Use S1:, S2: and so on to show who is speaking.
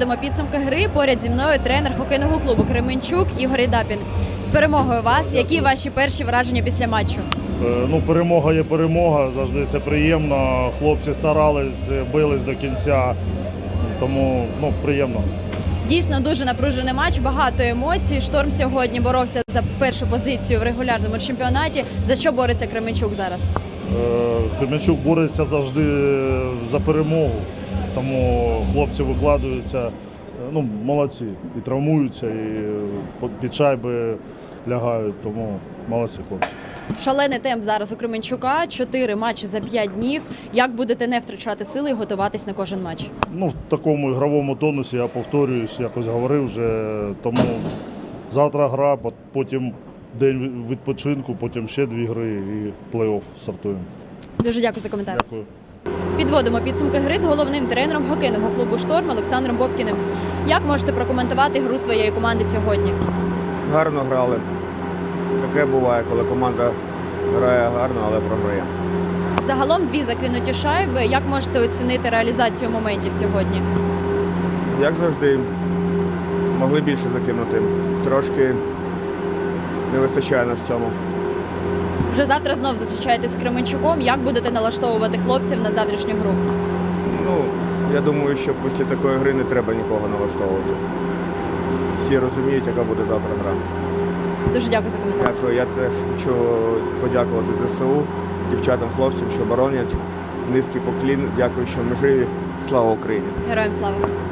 S1: Підводимо підсумки гри. Поряд зі мною тренер хокейного клубу Кременчук Ігор Єдапін. З перемогою вас. Які ваші перші враження після матчу?
S2: Перемога є перемога, завжди це приємно. Хлопці старались, бились до кінця, тому приємно.
S1: Дійсно дуже напружений матч, багато емоцій. Шторм сьогодні боровся за першу позицію в регулярному чемпіонаті. За що бореться Кременчук зараз?
S2: Кременчук бореться завжди за перемогу, тому хлопці викладаються, молодці, і травмуються, і під шайби лягають, тому молодці хлопці.
S1: Шалений темп зараз у Кременчука, 4 матчі за 5 днів. Як будете не втрачати сили і готуватись на кожен матч?
S2: В такому ігровому тонусі, я повторююсь, якось говорив вже, тому завтра гра, потім день відпочинку, потім ще 2 гри і плей-офф стартуємо.
S1: Дуже дякую за коментар.
S2: Дякую.
S1: Підводимо підсумки гри з головним тренером хокейного клубу «Шторм» Олександром Бобкіним. Як можете прокоментувати гру своєї команди сьогодні?
S3: Гарно грали. Таке буває, коли команда грає гарно, але програє.
S1: Загалом 2 закинуті шайби. Як можете оцінити реалізацію моментів сьогодні?
S3: Як завжди, могли більше закинути. Трошки не вистачає нас в цьому.
S1: Вже завтра знов зустрічаєтесь з Кременчуком. Як будете налаштовувати хлопців на завтрашню гру?
S3: Я думаю, що після такої гри не треба нікого налаштовувати. Всі розуміють, яка буде завтра гра.
S1: Дуже дякую за коментар.
S3: Дякую. Я теж хочу подякувати ЗСУ, дівчатам, хлопцям, що боронять. Низький поклін. Дякую, що ми живі. Слава Україні!
S1: Героям слава!